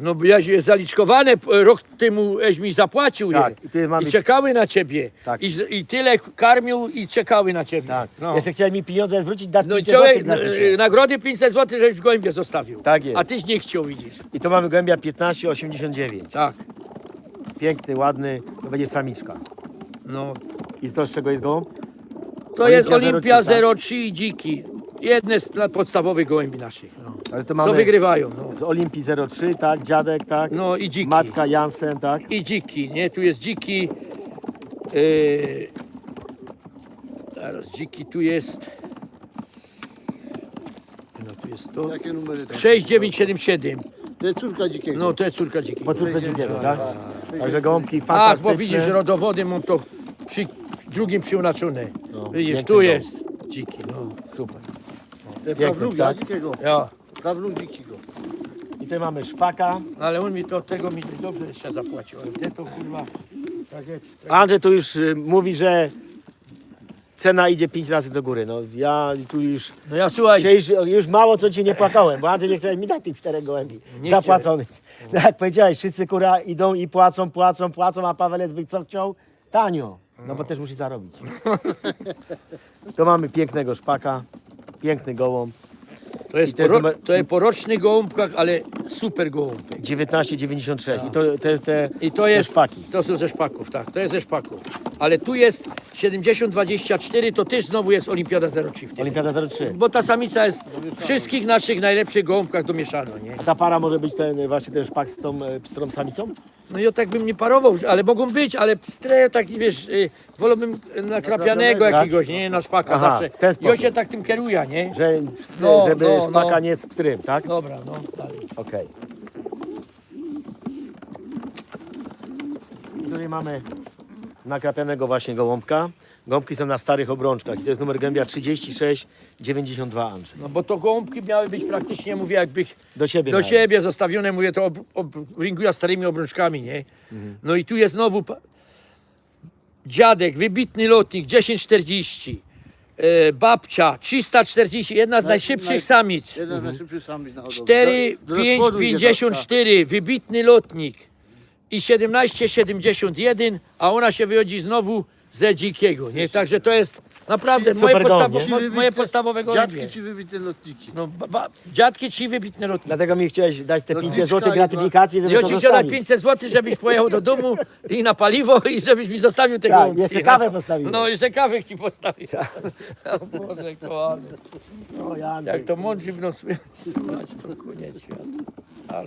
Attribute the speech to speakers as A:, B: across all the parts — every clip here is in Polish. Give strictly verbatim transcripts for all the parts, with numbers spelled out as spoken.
A: No bo jaś jest zaliczkowane, rok temu eś mi zapłacił
B: Tak,
A: je.
B: i ty mamy-
A: I czekały na ciebie.
B: Tak.
A: I, z- I tyle karmił i czekały na ciebie.
B: Tak.
A: No.
B: Jeszcze chciałem mi pieniądze zwrócić, dać
A: No i
B: pięćset
A: człowiek,
B: złotych dla
A: e,
B: ciebie.
A: nagrody pięćset złotych, żebyś w gołębie zostawił.
B: Tak jest.
A: A tyś nie chciał, widzisz.
B: I to mamy gołębia piętnaście osiemdziesiąt dziewięć.
A: Tak.
B: Piękny, ładny, to będzie samiczka.
A: No.
B: I to z czego jest gołąb?
A: To
B: Olimpia
A: jest Olimpia
B: zero trzy, tak?
A: zero trzy i dziki. Jedne z na- podstawowych gołębi naszych. No.
B: Ale to
A: Co
B: mamy
A: wygrywają. No.
B: z Olimpii zero trzy, tak? Dziadek, tak?
A: No i dziki.
B: Matka Jansen, tak?
A: I dziki, nie? Tu jest dziki. Yy, teraz dziki tu jest. No tu jest to.
C: Jakie numery tam?
A: sześć dziewięć siedem siedem.
C: To jest córka dzikiego.
A: No to jest córka dziki.
B: Po córce dzikiego, tak? Także gołąbki
A: Ach,
B: fantastyczne.
A: bo widzisz, rodowody mam to przy drugim przyunaczone.
B: No,
A: Widzisz,
B: piękny
A: tu
B: gołąb.
A: jest dziki. No.
B: Super.
C: To jest
B: piękny
C: prawnuga
B: ptak.
C: dzikiego.
A: Ja.
C: Prawnuk dzikiego.
B: I tutaj mamy szpaka.
A: Ale on mi to tego mi dobrze jeszcze zapłacił. Ale te to kurwa. Tak jest. Tak.
B: Andrzej tu już y, mówi, że cena idzie pięć razy do góry. No ja tu już,
A: No ja słuchaj.
B: dzisiaj już, już mało co ci nie płakałem, bo Andrzej nie chciał mi dać tych czterech gołębi
A: Nie
B: zapłaconych. Tak jak powiedziałeś, wszyscy kura idą i płacą, płacą, płacą, a Pawelec by co chciał? Tanio. No bo też musi zarobić. To mamy pięknego szpaka, piękny gołąb.
A: To jest,
B: I to jest
A: poro,
B: numer-
A: to jest poroczny gołąbkach, ale super gołąbek.
B: dziewiętnaście dziewięćdziesiąt sześć. I to, to jest te,
A: I to
B: te
A: jest,
B: szpaki.
A: to są ze szpaków, tak, to jest ze szpaków. Ale tu jest siedemdziesiąt dwadzieścia cztery, to też znowu jest Olimpiada zero trzy w tym.
B: Olimpiada zero trzy.
A: Bo ta samica jest w wszystkich naszych najlepszych gołąbkach domieszano, nie?
B: A ta para może być ten właśnie ten szpak z tą e, pstrą samicą?
A: No i ja tak bym nie parował, ale mogą być, ale pstre taki, wiesz, y, wolałbym nakrapianego
B: Tak?
A: jakiegoś, nie, na szpaka
B: Aha,
A: zawsze.
B: w ten
A: I on
B: sposób.
A: się tak tym kieruje, nie?
B: Że w,
A: No,
B: żeby
A: no,
B: szpaka
A: no.
B: nie z pstrym, tak?
A: Dobra, no, dalej.
B: Okej. I tutaj mamy nakrapianego właśnie gołąbka. Gąbki są na starych obrączkach i to jest numer gębia trzydzieści sześć dziewięćdziesiąt dwa, Andrzej.
A: No bo to gołąbki miały być praktycznie, mówię, jakby
B: Do siebie.
A: do
B: nawet.
A: siebie zostawione, mówię, to ob, ob, ringuję starymi obrączkami, nie? No i tu jest znowu pa- dziadek, wybitny lotnik, dziesięć czterdzieści, e, babcia, trzysta czterdzieści, jedna z
C: Naj-
A: najszybszych
C: naj-
A: samic,
C: Jeden z najszybszych samic na hodowlę.
A: cztery
C: Do- do
A: pięć
C: rozpłodu idzie
A: pięćdziesiąt
C: babka.
A: cztery, wybitny lotnik i siedemnaście siedemdziesiąt jeden, a ona się wychodzi znowu ze dzikiego, nie? Także to jest naprawdę
B: Super
A: moje,
B: gołąb,
A: podstawo,
B: nie?
A: mo- moje podstawowe gołębie.
C: Dziadki czy wybite lotniki?
A: No, ba, ba, dziadki ci wybitne lotniki.
B: Dlatego mi chciałeś dać te
C: No,
B: pięćset
C: dziecka
B: złotych
C: i
B: gratyfikacji, żeby
A: Ja
B: to
A: ci chciałem
B: zostawić.
A: pięćset złotych, żebyś pojechał do domu i na paliwo i żebyś mi zostawił te
B: Tak,
A: gołąbki.
B: jeszcze kawę postawiłem.
A: No, jeszcze kawę ci postawił. O Boże, kochany.
B: O, ja, Andrzej.
A: Jak to mądrzy będą słuchać, to koniec świata. Ale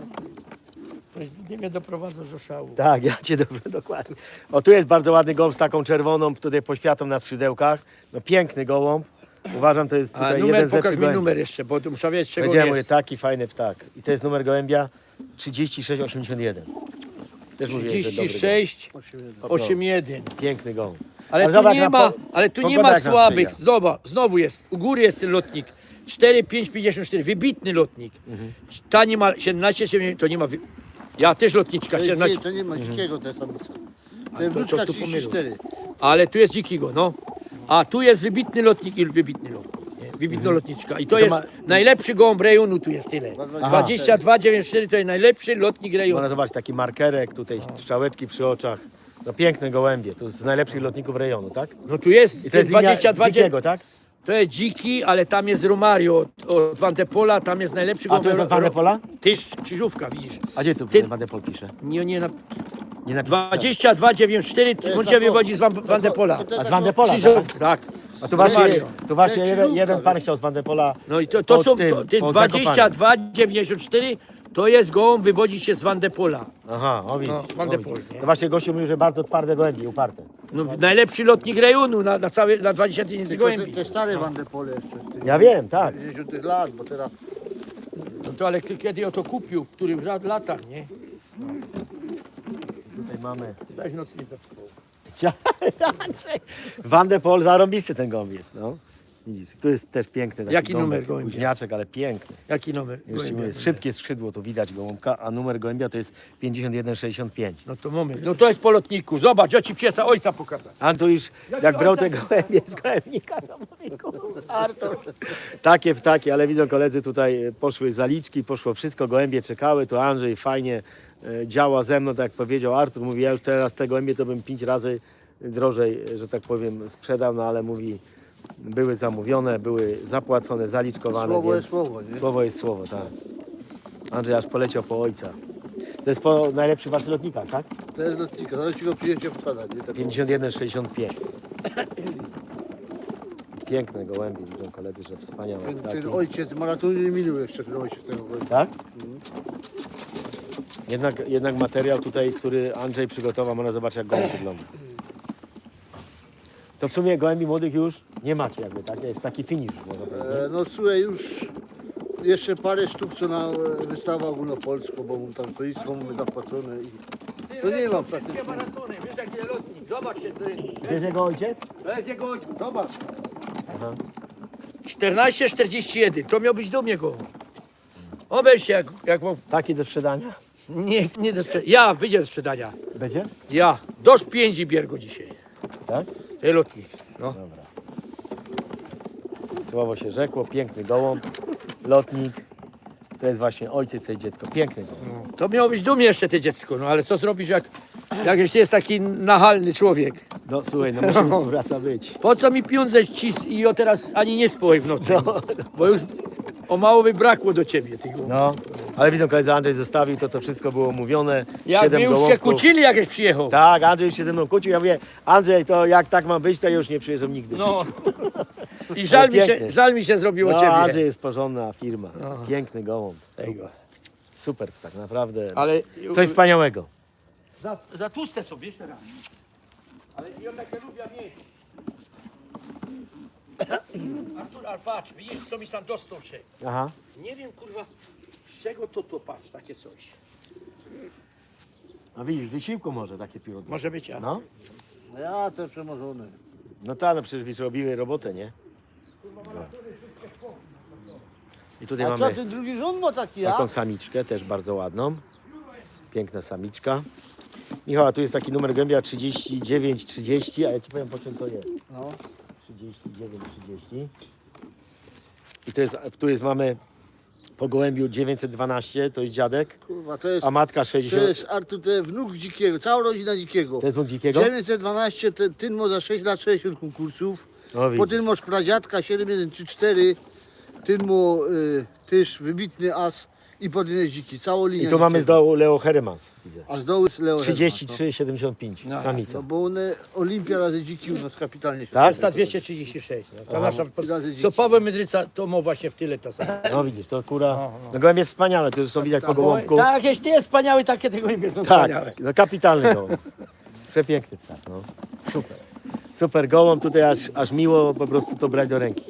A: coś nie mnie doprowadza do szału.
B: Tak, ja cię dobrze, dokładnie. O, tu jest bardzo ładny gołąb z taką czerwoną tutaj poświatą na skrzydełkach. No piękny gołąb. Uważam, to jest
A: A
B: tutaj
A: numer,
B: jeden z
A: pokaż
B: lepszych
A: mi
B: gołębi.
A: numer jeszcze, bo tu muszę wiedzieć, czego
B: Powiedziałem,
A: on
B: mówię,
A: jest.
B: taki fajny ptak. I to jest numer gołębia trzydzieści sześć osiemdziesiąt jeden. Też mówię, że dobry
A: trzydzieści sześć osiemdziesiąt jeden.
B: gołąb. Piękny gołąb.
A: Ale,
B: Ale
A: tu
B: zobacz
A: nie
B: na
A: ma,
B: po-
A: ale tu nie
B: pogoda
A: ma
B: jak nas
A: słabych.
B: sprzyja.
A: Znowu, znowu jest, u góry jest ten lotnik. cztery pięć pięćdziesiąt cztery, wybitny lotnik. Ta nie ma siedemnaście, siedemdziesiąt, to nie ma. Wy... Ja też lotniczka,
C: To, nie,
A: siedemnaście.
C: to nie ma dzikiego te samice. To
A: to-
C: jest
A: to
C: wnuczka
A: tu
C: trzydzieści cztery.
A: Ale tu jest dzikiego, no. A tu jest wybitny lotnik i wybitny lotnik. Nie? Wybitna lotniczka. I to,
B: I to
A: jest
B: ma-
A: najlepszy gołąb rejonu, tu jest tyle. dwadzieścia dwa dziewięćdziesiąt cztery to jest najlepszy lotnik rejonu.
B: Można zobaczyć taki markerek, tutaj strzałeczki przy oczach. No piękne gołębie, to z najlepszych lotników rejonu, tak?
A: No tu jest,
B: I to jest linia
A: dwadzieścia dwa
B: dzikiego, tak?
A: To jest dziki, ale tam jest Romario od, od Van de Pola, tam jest najlepszy
B: A
A: gołąb.
B: to jest od Van de Pola?
A: Tyż, krzyżówka, widzisz.
B: A gdzie tu
A: Ty-
B: Van de Pol pisze?
A: Nie, nie, na
B: Nie napisałem.
A: dwadzieścia dwa dziewięćdziesiąt cztery, on cię wywodzi z Van, Van de Pola.
B: A z Van de Pola, tak?
A: Krzyżówka, tak.
B: A tu właśnie,
A: Romario.
B: tu właśnie jeden,
C: krzyżówka,
B: jeden pan
C: wiesz.
B: chciał z Van de Pola.
A: No i to, to
B: pod
A: są,
B: tym,
A: to, ty
B: pod
A: dwadzieścia dwa dziewięćdziesiąt cztery to jest gołąb, wywodzi się z Van de Pola.
B: Aha, o widzisz.
A: No, Van
B: o
A: de
B: widzisz.
A: Pol, nie?
B: To właśnie gościu mówił, że bardzo twarde gołębie, uparte.
A: No, najlepszy lotnik rejonu na, na, cały, na dwadzieścia tysięcy
C: Tylko te,
A: gołębi.
C: te stare Van de Pole jeszcze. z tych
B: Ja wiem, tak.
C: dziewięćdziesiątych lat, bo teraz
A: No to ale ty kiedy o to kupił, w których lat- latach, nie?
B: Tutaj mamy.
A: Weź nocnik do
B: Van de Pol, zarąbisty ten gołąb jest, no. Widzisz, tu jest też piękny taki
A: Jaki
B: gąbek,
A: numer gołębia?
B: Późniaczek, ale piękny.
A: Jaki numer?
B: Jeszcze
A: gołębia?
B: jest szybkie skrzydło, to widać gołąbka, a numer gołębia to jest pięćdziesiąt jeden sześćdziesiąt pięć.
A: No to moment. No to jest po lotniku. Zobacz, ja ci psa ojca pokażę.
B: A tu już, jak brał te gołębie z gołębnika, to mówi, kurwa, Artur. Takie ptaki, ale widzą koledzy, tutaj poszły zaliczki, poszło wszystko, gołębie czekały, to Andrzej fajnie e, działa ze mną, tak jak powiedział Artur, mówi, ja już teraz te gołębie to bym pięć razy drożej, że tak powiem, sprzedał, no ale mówi, były zamówione, były zapłacone, zaliczkowane,
C: Słowo
B: więc
C: jest słowo, nie?
B: słowo jest słowo, tak. Andrzej aż poleciał po ojca. To jest po najlepszych waszych lotnikach, tak?
C: To jest lotnika, zaraz ci go przyjedzie pokazać, nie? Tak,
B: pięćdziesiąt jeden sześćdziesiąt pięć. Piękne gołębie, widzą koledzy, że wspaniałe
C: ten,
B: ptaki.
C: ten ojciec maratonu nie minął jeszcze, ten ojciec tego gościa.
B: Tak? Jednak, jednak materiał tutaj, który Andrzej przygotował, można zobaczyć, jak gołąb wygląda. To w sumie gołębi młodych już nie macie jakby, tak? Jest taki finish, można powiedzieć.
C: E, no słuchaj, już jeszcze parę sztuk, co na e, wystawę ogólnopolską, bo mu tam stoisko mamy zapłacone i to nie ma praktycznie.
A: Wszystkie maratony, wiesz jaki jest lotnik. Zobacz się, to jest,
B: Gdzie jest jego ojciec?
A: to jest jego ojciec. Zobacz.
B: Aha.
A: czternaście czterdzieści jeden. To miał być do mnie go. Obejrz się, jak, jak mam-
B: Taki do sprzedania?
A: nie, nie do sprzedania. Ja, wyjdzie do sprzedania.
B: Będzie?
A: Ja. Dosz pięć i bier go dzisiaj.
B: Tak?
A: To jest lotnik. No.
B: Dobra. Słowo się rzekło, piękny gołąb, lotnik. To jest właśnie ojciec i dziecko. Piękny gołąb.
A: To miało być do mnie jeszcze te dziecko, no ale co zrobisz, jak, jak jeśli jest taki nachalny człowiek?
B: No słuchaj, no musimy współpraca być.
A: Po co mi pieniądze cis i o teraz ani nie spoj w nocy? Bo już o mało by brakło do ciebie tych gołębi.
B: No, ale widzą, koledzy, Andrzej zostawił, to to wszystko było mówione.
A: Jak
B: Siedem
A: my już się
B: gołąbków.
A: kłócili, jak już przyjechał.
B: Tak, Andrzej już się ze mną kłócił. Ja mówię, Andrzej, to jak tak ma być, to ja już nie przyjeżdżam nigdy.
A: No. I żal mi, się,
B: piękny.
A: żal mi się zrobiło
B: No,
A: ciebie.
B: Andrzej jest porządna firma.
A: No.
B: Piękny gołąb. Super,
A: Tego.
B: super tak naprawdę.
A: Ale
B: Coś wspaniałego.
A: za, za tłuste są, wiesz teraz. Ale ja takie lubię mieć. Artur, ale patrz, widzisz, co mi sam dostał się.
B: Aha.
A: Nie wiem, kurwa, z czego to to patrz, takie coś.
B: A widzisz, wysiłku może takie pióro.
A: Może być, ja.
B: No,
C: Ja te przemożone.
B: no tak, no przecież robiły robotę, nie? I tutaj
C: A co
B: mamy
C: ten drugi rząd ma taki, ja?
B: taką samiczkę, też bardzo ładną. Piękna samiczka. Michał, a tu jest taki numer gołębia trzydzieści dziewięć trzydzieści, a ja ci powiem, po czym to jest.
C: No.
B: trzydzieści dziewięć trzydzieści. I to jest, tu jest, mamy po gołębiu dziewięćset dwanaście, to jest dziadek,
C: Kurwa, to jest,
B: a matka
C: to
B: sześćdziesiąt.
C: jest Artur, to jest wnuk dzikiego, cała rodzina dzikiego.
B: To jest wnuk dzikiego?
C: dziewięćset dwanaście, ten, ten ma za sześć lat sześćdziesiąt konkursów.
B: No widzisz.
C: Potem masz pradziadka siedem jeden trzy cztery, ten mu y, też wybitny as i potem jest dziki, całą linię.
B: I tu mamy z
C: dzikiego.
B: dołu Leo Heremans, widzę.
C: A z dołu jest Leo
B: trzydzieści
C: Hedman,
B: trzy siedemdziesiąt pięć,
A: No.
B: samica.
C: no. no bo one, Olimpia razy dziki u nas kapitalnie się
B: Tak?
A: Jest ta dwieście trzydzieści sześć. No. Ta nasza,
C: Razy
A: co
C: dzieci.
A: Paweł Mydryca, to ma właśnie w tyle ta sama.
B: No widzisz, to kura, no gołębie jest wspaniałe, to zresztą widać po gołąbku.
A: Tak, jeśli jest wspaniały, takie te gołębie są wspaniałe.
B: Tak, no kapitalny gołąb. Przepiękny ptak, no. Super. Super gołąb, tutaj aż, aż miło po prostu to brać do ręki.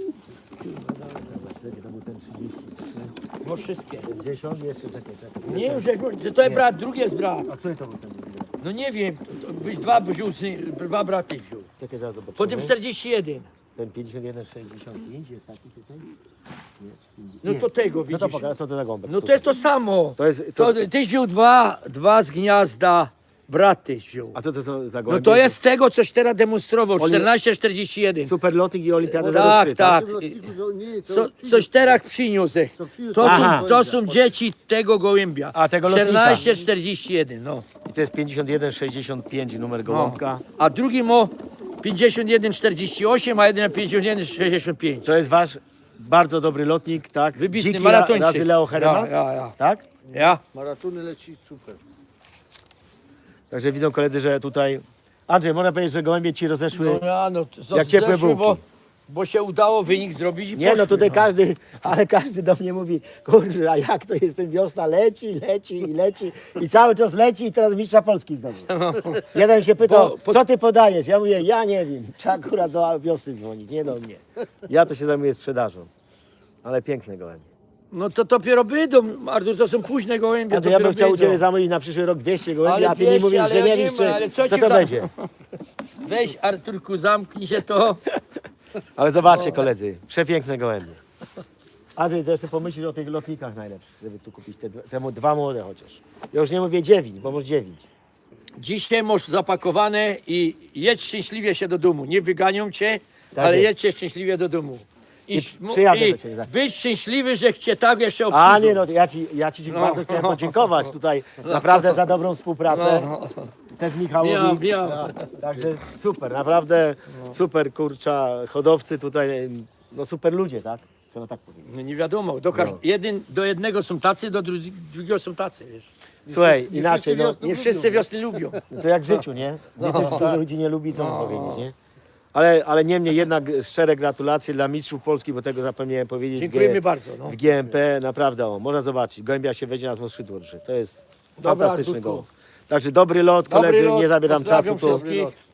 B: To był ten trzydzieści,
A: No wszystkie.
B: sześćdziesiąt, jeszcze czekaj, czekaj.
A: Nie już, jak, to jest brat, drugi jest brat.
B: A który to był ten drugi?
A: No nie wiem, to, to byś dwa wziął, syn- dwa braty wziął.
B: Czekaj, zaraz zobaczymy.
A: Potem czterdzieści jeden.
B: Ten pięćdziesiąt jeden sześćdziesiąt pięć jest taki tutaj? Nie, czy pięćdziesiąt?
A: No
B: Nie.
A: to tego
B: No
A: widzisz.
B: to pokaż, co to za gąbek?
A: No to jest to samo.
B: To jest, to,
A: To, tyś wziął dwa, dwa z gniazda, brat tyś wziął.
B: a co to są za
A: No
B: gołębie?
A: to jest tego, coś teraz demonstrował,
B: Oli-
A: czternaście czterdzieści jeden.
B: Super lotnik i olimpiada
A: Tak,
B: za
A: tak.
C: W tym lotniku, to nie, to
A: Co,
C: przyjdzie-
A: coś teraz przyniósł.
C: to przyniósł-
A: To
B: Aha.
A: są, to są dzieci tego gołębia.
B: A, tego lotnika.
A: czternaście czterdzieści jeden, no.
B: I to jest pięćdziesiąt jeden sześćdziesiąt pięć numer
A: no.
B: gołąbka.
A: A drugi ma pięćdziesiąt jeden czterdzieści osiem, a jeden pięćdziesiąt jeden sześćdziesiąt pięć.
B: To jest wasz bardzo dobry lotnik, tak?
A: Wybitny
B: Dziki
A: maratończyk.
B: razy Leo Heremans,
A: Ja, ja, ja.
B: tak?
A: Ja?
C: Maratony leci super.
B: Także widzą koledzy, że tutaj... Andrzej, można powiedzieć, że gołębie ci rozeszły...
A: No ja, no to
B: Jak ciepłe
A: zeszły, bo,
B: bułki.
A: bo się udało wynik zrobić i
B: Nie, no
A: poszły,
B: tutaj każdy, ale każdy do mnie mówi, kurczę, a jak to jest ten wiosna, leci, leci i leci i cały czas leci i teraz mistrza Polski znowu. Jeden się pytał,
A: Bo- po-
B: co ty podajesz? Ja mówię, ja nie wiem, trzeba akurat do wiosny dzwonić, nie do mnie. Ja to się zajmuję sprzedażą, ale piękne gołębie.
A: No to dopiero będą, Artur, to są późne gołębie.
B: A to ja bym
A: dopiero
B: chciał u
A: będą.
B: Ciebie zamówić na przyszły rok dwieście gołębi,
A: Ale
B: a Ty mi
A: dwieście,
B: mówisz,
A: ale
B: że
A: ja
B: nie
A: nie
B: wiesz,
A: ma,
B: czy,
A: ale co
B: co
A: ci
B: to
A: tam-
B: będzie.
A: Weź, Arturku, zamknij się to.
B: Ale zobaczcie koledzy, przepiękne gołębie. Andrzej, to jeszcze pomyślisz o tych lotnikach najlepszych, żeby tu kupić te, te mo- dwa młode chociaż. Ja już nie mówię dziewięć, bo może dziewięć.
A: Dzisiaj masz zapakowane i jedź szczęśliwie się do domu. Nie wyganią cię,
B: Tak
A: ale
B: jest.
A: jedźcie szczęśliwie do domu. I,
B: I
A: sz- mu-
B: przyjadę
A: i
B: do ciebie za-
A: być szczęśliwy, że cię tak jeszcze obsłużą.
B: A nie, no to ja ci, ja ci bardzo chciałem podziękować tutaj naprawdę za dobrą współpracę. Też Michałowi.
A: Miał, miał.
B: Także super, naprawdę super kurcza hodowcy tutaj, no super ludzie, tak? Trzeba tak powiedzieć.
A: No nie wiadomo, do, każ-
B: No.
A: jeden, do jednego są tacy, do dru- drugiego są tacy, wiesz.
B: Słuchaj,
C: nie
B: inaczej,
C: wszyscy
B: no,
C: wiosny
A: Nie wszyscy wiosny lubią.
B: no to jak w życiu, nie? Nie też dużo ludzi nie lubi, co mam powiedzieć, nie? Ale, ale niemniej jednak szczere gratulacje dla mistrzów Polski, bo tego zapomniałem powiedzieć. w G-
A: Dziękujemy bardzo. No.
B: W G M P naprawdę, o, można zobaczyć, gołębia się weźmie na skrzydło drży. To jest
A: Dobra,
B: fantastyczny
A: Arturku.
B: goł. Także dobry lot,
A: Dobry
B: koledzy,
A: lot,
B: nie zabieram
A: pozdrawiam
B: czasu. Tu
A: wszystkich.